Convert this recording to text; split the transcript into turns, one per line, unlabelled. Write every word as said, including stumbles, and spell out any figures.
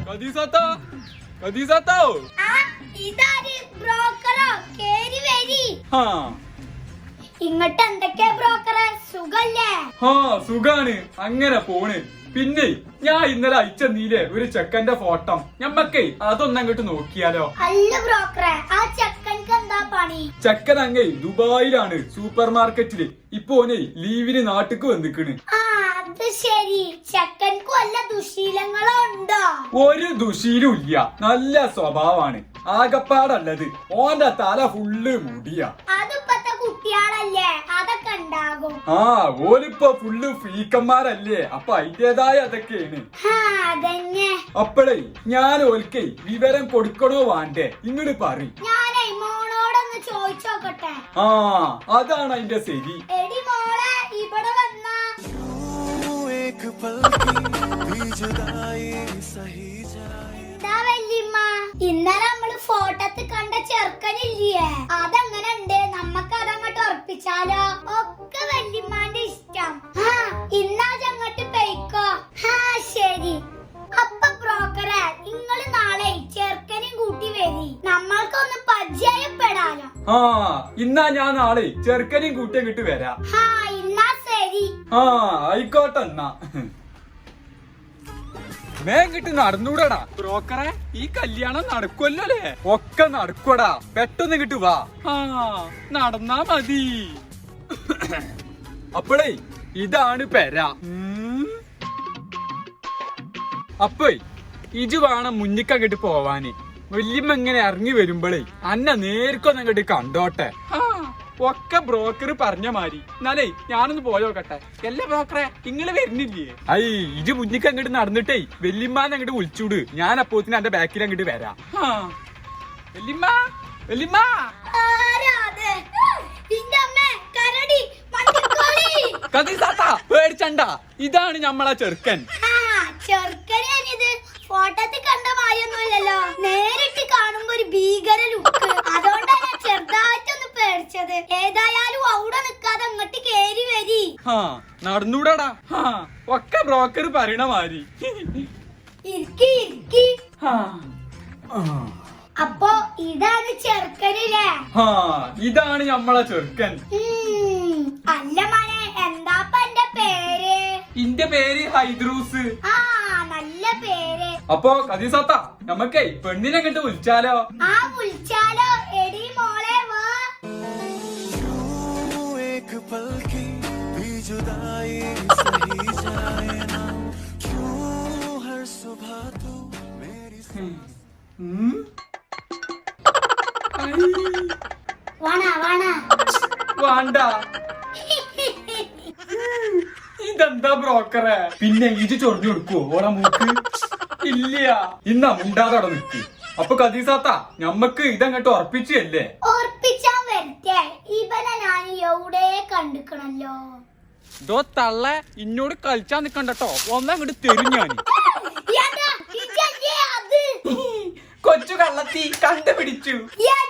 കദീസാത്താ കദീസാത്താ
ആ ഇതാര് ബ്രോക്കറോ കേറി വരി
ഹാ
ഇങ്ങോട്ട് എന്തൊക്കെയാ ബ്രോക്കറെ സുഖല്ലേ
ഹാ സുഖാണ് അങ്ങനെ പോണ് പിന്നെ ഞാൻ ഇന്നലെ അയച്ചെന്നീലേ ഒരു ചെക്കന്റെ ഫോട്ടോ ഞമ്മക്കേ അതൊന്നും അങ്ങോട്ട് നോക്കിയാലോ
അല്ല ബ്രോക്കറെ ആ ചെക്കൻക്ക് എന്താ പണി
ചെക്കൻ അങ്ങേ ദുബായിലാണ് സൂപ്പർ മാർക്കറ്റില് ഇപ്പൊ ഓനെ ലീവിന് നാട്ടിക്ക് വന്നിക്കണ്
ആ അത് ശരി ചെക്കൻക്ക് വല്ല ദുശീലങ്ങളോ ഉണ്ടോ
ഒരു ദുശീലും ഇല്ല നല്ല സ്വഭാവമാണ് ആകപ്പാടല്ലത് ഓന്റെ തല ഫുള്ള് മുടിയാ
അതിപ്പത്തെ കുട്ടികളല്ലേ അതൊക്കെ ഉണ്ടാകും
ആ ഓലിപ്പോ ഫുള്ള് ഫ്രീക്കന്മാരല്ലേ അപ്പൊ അതിന്റേതായ അതൊക്കെയാണ്
ഹാ അതന്നെ
അപ്പഴേ ഞാൻ ഓൽക്കേ വിവരം കൊടുക്കണോ വേണ്ടേ ഇങ്ങോട്ട് പറ
ഞാനേ മോളോടൊന്ന് ചോദിച്ചോക്കട്ടെ
ആ അതാണ് അതിന്റെ ശരി
എടി മോളെ ഇവിടെ വന്നാ എന്താ വല്യമ്മ ഇന്നലെ നമ്മള് ഫോട്ടോത്ത് കണ്ട ചെറുക്കനില്ലേ അതെങ്ങനെ ഉണ്ട് നമ്മക്ക് അതങ്ങോട്ട് ഉറപ്പിച്ചാലോ ഒക്കെ വല്യമ്മാന്റെ ഇഷ്ടം ആ ഇന്നാ അങ്ങോട്ട് പെയ്ക്കോ ഹാ ശരി അപ്പൊ ബ്രോക്കറെ നിങ്ങള് നാളെ ചെറുക്കനെയും കൂട്ടി വരി നമ്മൾക്കൊന്ന് പരിചയപ്പെടാലോ
ആ ഇന്നാ ഞാൻ നാളെ ചെറുക്കനെയും കൂട്ടിയും കിട്ടി വരാം
ഹാ ഇന്നാ ശരി
ആ ആയിക്കോട്ടെ എന്നാ മേങ്ങിട്ട് നടന്നൂടാ ബ്രോക്കറെ ഈ കല്യാണം നടക്കുമല്ലോ അല്ലേ ഒക്കെ നടക്കൂടാ പെട്ടെന്ന് കിട്ടു വാ ആ നടന്നാ മതി അപ്പോഴേ ഇതാണ് പെര അപ്പേ ഇജ് വേണം മുന്നിക്കങ്ങട്ട് പോവാന് വല്യമ്മ ഇങ്ങനെ ഇറങ്ങി വരുമ്പോഴേ അന്ന നേർക്കൊന്നങ്ങട്ട് കണ്ടോട്ടെ ഒക്കെ ബ്രോക്കർ പറഞ്ഞ മാതിരി എന്നാലേ ഞാനൊന്ന് പോയോക്കട്ടെ എല്ലാ ബ്രോക്കറെ ഇങ്ങള് വരുന്നില്ലേ ഐ ഇജ് മുന്നിക്ക് അങ്ങോട്ട് നടന്നിട്ടേ വല്യമ്മാനെ അങ്ങോട്ട് വിളിച്ചൂട് ഞാൻ അപ്പോത്തിന് എന്റെ ബാക്കിൽ അങ്ങോട്ട് വരാം വല്യമ്മ വല്യമ്മ പേടിച്ചണ്ട ഇതാണ് ഞമ്മളെ ചെറുക്കൻ
ഫോട്ടോത്തിൽ കണ്ട മായൊന്നുമില്ലല്ലോ നേരിട്ട് കാണുമ്പോ ഒരു ഭീകര ലുക്ക് അതുകൊണ്ടാണ് ഞാൻ ചെറുതായിട്ടൊന്ന് പേടിച്ചത് ഏതായാലും അവിടെ നിക്കാതെ അങ്ങോട്ട് കേറി വരി
നടന്നൂടാടാ ഒക്കെ ബ്രോക്കർ പറയണ മാതിരി
ഇരിക്കി ഇരിക്കി അപ്പൊ ഇതാണ് ചെറുക്കനില്ലേ
ഇതാണ് ഞമ്മളെ ചെറുക്കൻ
അല്ല മോനെ എന്താപ്പ എന്റെ പേര്
ഇന്റെ പേര് ഹൈദ്രൂസ്
ആ നല്ല പേര്
അപ്പൊ കദീസാത്ത നമ്മക്കേ പെണ്ണിനെ അങ്ങോട്ട് വിളിച്ചാലോ
ആ വിളിച്ചാലോ എടി മോളെ വാ വാണാ വാണാ
വേണ്ട ഇതെന്താ ബ്രോക്കറെ പിന്നെ ഇജ് ചൊറിഞ്ഞു കൊടുക്കുവോ ഓളെ മൂക്ക് ഇല്ല ഇന്നാ മുണ്ടാതോടെ നിക്ക് അപ്പൊ കദീസാത്ത ഞമ്മക്ക് ഇതങ്ങോട്ട് ഉറപ്പിച്ചല്ലേ
ഉറപ്പിച്ചാൻ വരട്ടെ ഇവനെ ഞാൻ എവിടെ കണ്ടിക്കണല്ലോ
ഇതോ തള്ള ഇന്നോട് കളിച്ചാൻ നിക്കണ്ടോ ഒന്നങ്ങോട്ട് തരും ഞാൻ കൊച്ചു കള്ളത്തി കണ്ടുപിടിച്ചു